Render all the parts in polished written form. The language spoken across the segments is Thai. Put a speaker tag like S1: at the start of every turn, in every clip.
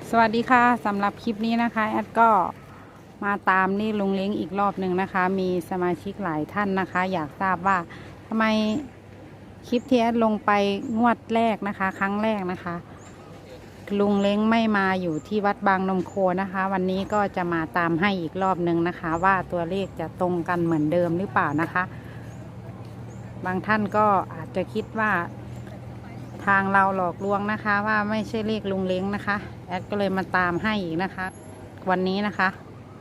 S1: สวัสดีค่ะสำหรับคลิปนี้นะคะแอดก็มาตามนี่ลุงเล้งอีกรอบหนึ่งนะคะ มีสมาชิกหลายท่านนะคะ อยากทราบว่าทำไมคลิปที่แอดลงไปงวดแรกนะคะ ครั้งแรกนะคะลุงเล้งไม่มาอยู่ที่วัดบางนมโคนะคะ วันนี้ก็จะมาตามให้อีกรอบหนึ่งนะคะ ว่าตัวเลขจะตรงกันเหมือนเดิมหรือเปล่านะคะ บางท่านก็อาจจะคิดว่าทางเราหลอกลวงนะคะว่าไม่ใช่เลขลุงเล้งนะคะแอดก็เลยมาตามให้อีกนะคะวันนี้นะคะ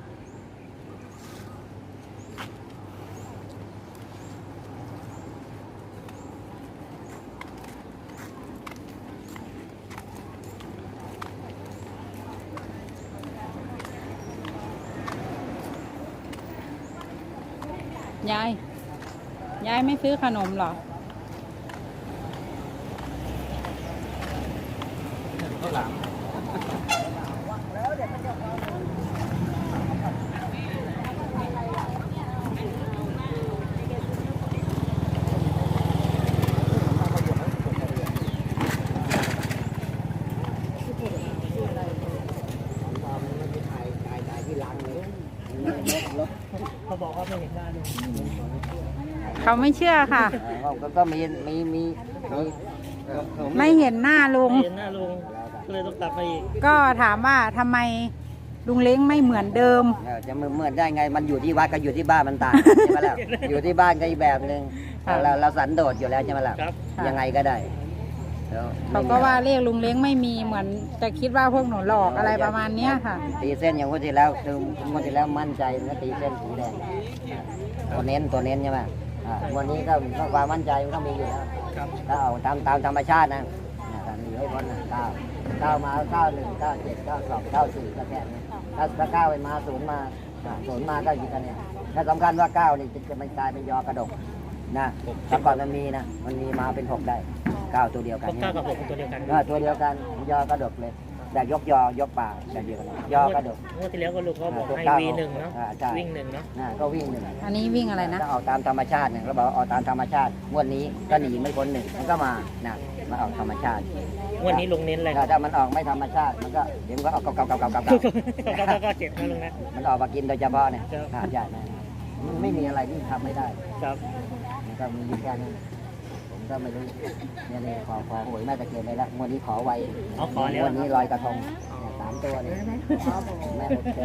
S1: ยายไม่ซื้อขนมหรอ
S2: ข้าวหลามเขาบอกว่าไม่เห็นหน้าลุง
S1: เขาไม่เชื่อค่ะ
S2: ก็มี
S1: ไม่เห็นหน้าลุง
S3: เห็นหน้าลุงก็เลยต้องกลับมาอีก
S1: ก็ถามว่าทำไมลุงเล้งไม่เหมือนเดิม
S2: จะเหมือนได้ไงมันอยู่ที่วัดกับอยู่ที่บ้านมันต่างใช่ไหมล่ะอยู่ที่บ้านก็อีกแบบหนึ่งเราสันโดษอยู่แล้วใช่ไหมล่ะยังไงก็ได้
S1: เขาก็ว่าเรียกลุงเล้งไม่มีเหมือนจะคิดว่าพวกหนูหลอกอะไรประมาณนี้ค่ะ
S2: ตีเส้นอย่างคนที่แล้วคืองวดที่แล้วมั่นใจแล้วตีเส้นสีแดงตัวเน้นใช่ไหมวันนี้ก็ความมั่นใจมันต้องมีอยู่แล้วถ้าเอาตามธรรมชาตินะการมีให้พ้นนะ9มา91 97 92 94ก็แค่นี้ถ้า9ไปมา0มา0มาก็อยู่กันเนี่ยถ้าสำคัญว่า9นี่จะมันกลายเป็นยอกระดกนะถ้าก่อนมันมีมาเป็น6ได้9ตัวเดียวกัน
S3: 9กับ6ตัวเดียวกัน
S2: ตัวเดียวกันยอกระดกเลยแต่ยกป่าแต่เดียวกันยอกระดก
S3: เมื่อที่แล้วก็ลุงเขาบอกให้วิ่ง1เนาะวิ่ง1เนาะ
S2: ก็วิ่ง1
S1: อันนี้วิ่งอะไรนะ
S2: ถ้าออกตามธรรมชาติเนี่ยเราบอกออกตามธรรมชาติงวดนี้ก็หนีไม่พ้น1มันก็มาออกธรรมชาติ
S3: งวดนี้ลุงเน้นอะไร
S2: ถ้ามันออกไม่ธรรมชาติมันก็เดี๋ยวมันก็ออกเก่า
S3: ก็เจ็บนะลุงนะ
S2: มันออกมากินโดยเฉพาะเนี่ยใช่ไม่มีอะไรที่ทำไม่ได้
S3: ครับ
S2: มันก็มีแค่นี้ผมก็ไม่รู้เนี่ยขอหวยแม่ตะเคียนไปแล้ววันนี้ขอไว้วันนี้ลอยกระทง3ตัวเลยแม่โอเค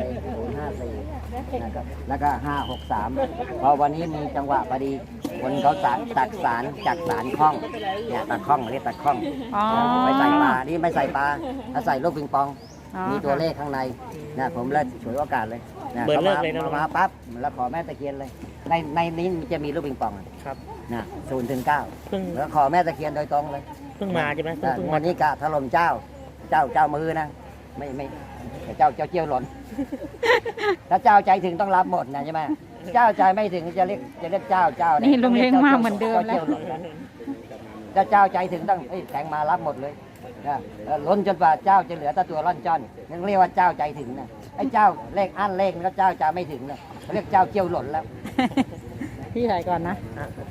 S2: 054นะครับแล้วก็563พอวันนี้มีจังหวะพอดีคนเขาตักสารจากสารคล้องเนี่ยตักคล้องเรียกตักคล้องไปใส่ปลานี่ไม่ใส่ปลาถ้าใส่ลูกปิงปองมีตัวเลขข้างในนะผมเลยฉวยโอกาสเลย
S3: เบิร์เลิกเลยนะ
S2: มาปั๊บแล้วขอแม่ตะเคียนเลยในนี้จะมีลูกปิงปอง
S3: ครับ
S2: นะ0 ถึง 9แล้วขอแม่ตะเคียนโดยตรงเลย
S3: เพิ่งมาใช่ไหม
S2: วันนี้กะถล่มเจ้ามือนะไม่เจ้าเจียวหล่นถ้าเจ้าใจถึงต้องรับหมดนะใช่ไหมเจ้าใจไม่ถึงจะเรียกเจ้า
S1: นี่ลุงเล้งมาเหมือนเดิมแล้ว
S2: ถ้าเจ้าใจถึงต้องแทงมารับหมดเลยล้นจนกว่าเจ้าจะเหลือแต่ตัวร่อนจ้อนนั่นเรียกว่าเจ้าใจถึงนะไอ้เจ้าเลขอั้นเลขก็เจ้าใจไม่ถึงนะเรียกเจ้าเจียวหล่นแล้ว
S1: พี่ถ่ายก่อนนะ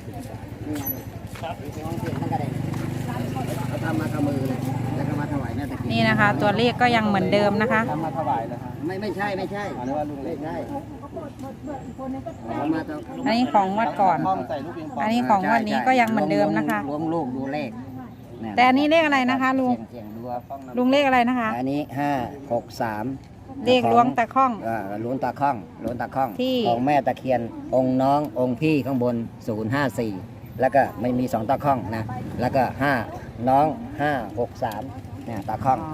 S2: ทำมาทำมือเลยแล้วก็มาถวายแม่ตะเคียน
S1: นี่นะคะตัวเลขก็ยังเหมือนเดิมนะคะ
S2: ทำมาถวายเลยไม่ใช่อันนี้ว่าลุงเลขได้
S1: อันนี้ของงวดก่อนอันนี้ของงวดนี้ก็ยังเหมือนเดิมนะคะ
S2: รวมลูกดูเลข
S1: แต่อันนี้เลขอะไรนะคะลุงเลขอะไรนะคะ
S2: อันนี้563
S1: เลขล้วงตะข้อง
S2: ล้วงตะข้องของแม่ตะเคียนองค์น้ององค์พี่ข้างบน054แล้วก็ไม่มี2ตะข้องนะแล้วก็5น้อง563เนี่ยตะข้อง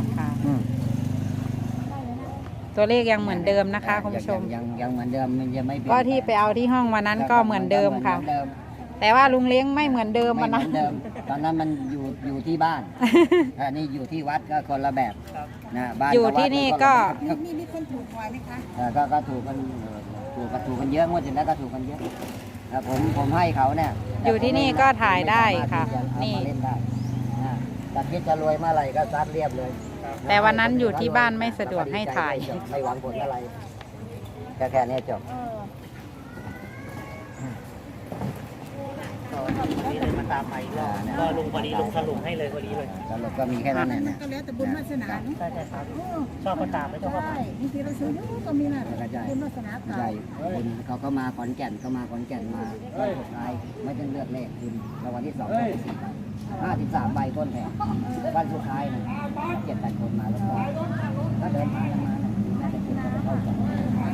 S1: ตัวเลขยังเหมือนเดิมนะคะคุณผู้ชม
S2: ยังเหมือนเดิมมันยังไม่
S1: ก็ที่ไปเอาที่ห้องวันนั้นก็เหมือนเดิมค่ะแต่ว่าลุงเล้งไม่เหมือนเดิมนะ
S2: ตอนนั้นมันอยู่ที่บ้านอันนี้อยู่ที่วัดก็คนละแบบนะบ้าน
S1: อยู่ที่นี่ก็
S4: มีคนถูกหวยไหมคะ
S2: ก็ถูกกันเยอะงวดที่แล้วก็ถูกกันเยอะผมให้เขาเนี่ย
S1: อยู่ที่นี่ก็ถ่ายได้ค่ะนี่
S2: แต่คิดจะรวยเมื่อไหร่ก็ซัดเรียบเลย
S1: แต่วันนั้นอยู่ที่บ้านไม่สะดวกให้ถ่าย
S2: ไม่หวังผลอะไรแค่นี้จบ
S3: ตามไปอีกรอบก็ลุงพอดีลุงสรุปให้เลยพอดีเลย
S2: สรุปก็มีแค่นั้นแหละ
S4: มันก็แล้วแต่บุญวาสนาเนาะ
S3: ใช่ครับ
S4: โอ้
S3: ชอบก็ตามไม่ชอบก็
S4: ใช่
S3: ผ่าน
S4: บางทีเราซื้อเยอะก็มีน่ะบุญวาสนา
S2: ใช่คุณเขาก็มาขอนแก่นเขามาขอนแก่นมาวันสุดท้ายไม่ต้องเลือกเลขคุณรางวัลที่2 53 ใบต้นแผงวันสุดท้ายนะ7-8 คนมาแล้วก็เดินทางมาน่าจะคุณจะเข้าจัง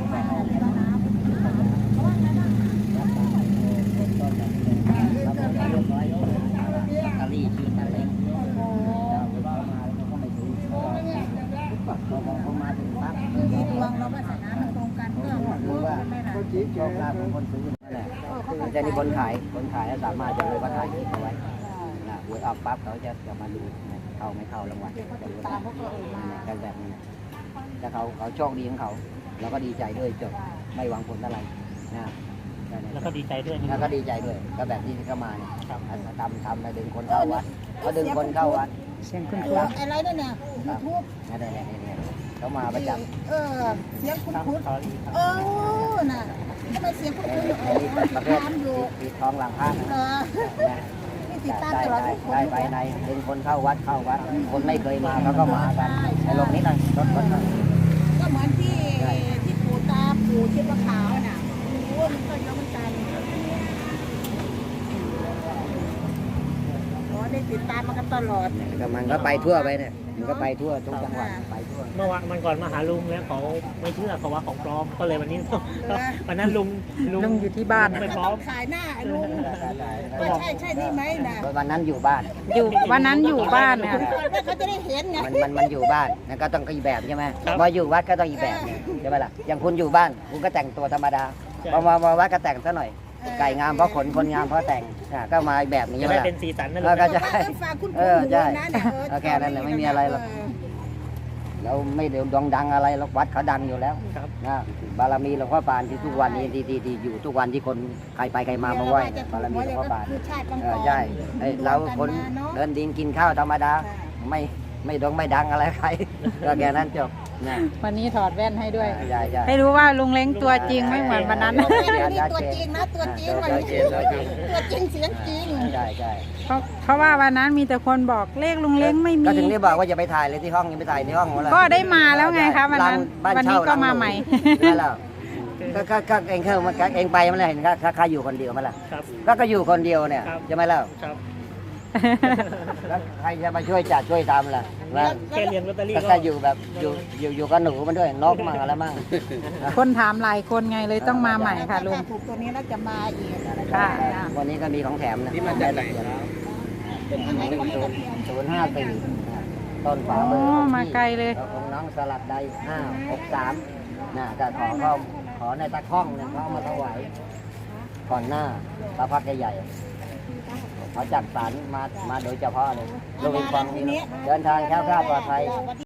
S2: เรียบร้อยตาลีชื่อตาเล้งเขาไม่ซื้อเขามาถึงปั๊บ
S4: มีดวงเราวาสนามันตรงกันก็
S2: รู้ว่า
S4: ไม่ล่ะ
S2: โชคลาภของคนซื้อนั่นแหละแต่นี่คนขายสามารถจะรู้ว่าถ่ายคลิปเอาไว้หวยออกปั๊บเขาจะมาดูเข้าไม่เข้ารางวัลจะรู้กันแบบนี้แต่เขาโชคดีของเขาเราก็ดีใจด้วยจบไม่หวังผลอะไรนะ
S3: แล้วก็ดีใจด้วย
S2: แล้วก็ดีใจด้วยก็แบบที่เข้ามาเนี่ยทำแล้วดึงคนเข้าวัดเขาดึงคนเข้าวัด
S1: เสียงคุณ
S4: อะไรนั่นเนี่ยยูทูบ
S2: นี่เขามาประจำ
S4: เสียงคุ้น
S3: ครับ
S4: คุ้น
S3: ขอดีครับ
S4: น่ะทำไมเสียงคุ้นคุ้น
S2: อันนี้ประเภท
S4: ตามอยู่
S2: ปิดทองหลังพระนะ
S4: นี่ติดตามตลอดทุกคน
S2: ได้ไปในดึงคนเข้าวัดคนไม่เคยมาเขาก็มากันในลงนี้หน่อยรถ
S4: ก็เหมือนที่ปู่ตาปู่ชิบะขาวน่ะโอ้มันก็เยอะเหมือนกันได้ติดตามมากันตลอด
S2: มันก็ไปทั่วไปเนี่ยมันก็ไปทั่วทุกจังหวัดไปทั่ว
S3: เมื่อวันก่อนมาหาลุงแล้วเขาไม่เชื่อเขาว่าของปลอมก็เลยวันนี้วันนั้นลุง
S1: ลุงอยู่ที่บ้าน
S3: ไม่พร้
S4: ต้
S3: อ
S4: อ
S3: ม
S4: งขายหน้าลุงว่าใช่นี่ไหมนะ
S2: วันนั้นอยู่บ้าน
S1: วันนั้นอยู่บ้านเนี่ย
S4: เขาจะได้เห็นไง
S2: มันอยู่บ้านก็ต้องอีกแบบใช่ไหมพออยู่วัดก็ต้องอีกแบบใช่ไหมล่ะอย่างคุณอยู่บ้านคุณก็แต่งตัวธรรมดาพอมาวัดก็แต่งซะหน่อยไก่งามเพราะขนคนงามเพราะแต่งก็มาอีกแบบนี้
S3: จะ
S2: ใช่ไหม
S3: ได้
S2: ล่ะ
S3: เป็นสีสันนะลุ
S2: แล้ว
S3: ง
S2: ก็จะ
S4: ฝากคุณปู่อยู่นะเนี่ย
S2: แค่นั้นแหละไม่มีอะไรหรอกเราไม่เดี๋ยวดังอะไรหรอกวัดเขาดังอยู่แล้ว
S3: ครับ
S2: นะบารมีหลวงพ่อปานที่ทุกวันนี้ที่อยู่ทุกวันที่คนใครไปใครมาไหว้บารมีหลวงพ่อปานใช่เราคนเดินดินกินข้าวธรรมดาไม่ดังอะไรใครก็แค่นั้นจบนะ
S1: วันนี้ถอดแว่นให้ด้วย
S2: ใช่ใช่
S1: ให้รู้ว่าลุงเล้งตัวจริงไม่เหมือนวันนั้น
S4: นี่ตัวจริงนะตัวจริงวันนี้ตัวจริงเสียงจริง
S2: ใช่ใช่
S1: เพราะว่าวันนั้นมีแต่คนบอกเลขลุงเล้งไม่มี
S2: ก็ถึงได้บอกว่าอย่าไปถ่ายเลยที่ห้องยังไปถ่ายในห้องหมดแล้ว
S1: ก็ได้มาแล้วไงคะวันนั้น วันนี้ก็มาใหม่
S2: นั่นแหละก็เองเข้ามาเองไปมันเลยเห็นข้าอยู่คนเดียวมั้ยล่ะ
S3: ครับ
S2: ก็อยู่คนเดียวเนี่ย
S3: ครับ
S2: ใช่ไหมล่ะ
S3: ครับ
S2: แล้วใครจะมาช่วยจัดช่วยทำล่ะนะ
S3: แค่เรียนลอตเตอรี่
S2: ก็
S3: ก็
S2: อยู่แบบอยู่กับหนูมันด้วยนกมั่งอะไรมั่ง
S1: คนถามหลายคนไงเลยต้องมาใหม่ค่ะลุง
S4: ถูกตัวนี้แล้วจะมาอีก
S1: ค่ะ
S2: วันนี้ก็มีของแถมนะ
S5: นี่มาจากไหน
S2: เป็น054ต้นฝา
S1: โอ้
S2: เบอร์
S1: มาไกลเลย
S2: ของน้องสลัดใด563นะก็ขอในตะข้องเนี่ยเขาเอามาถวายก่อนหน้าพระพักตร์ใหญ่เขาจัดสรรมาโดยเฉพาะเลยลูกปิงปองนี่เดินทางแคล้วคลาดปลอดภัย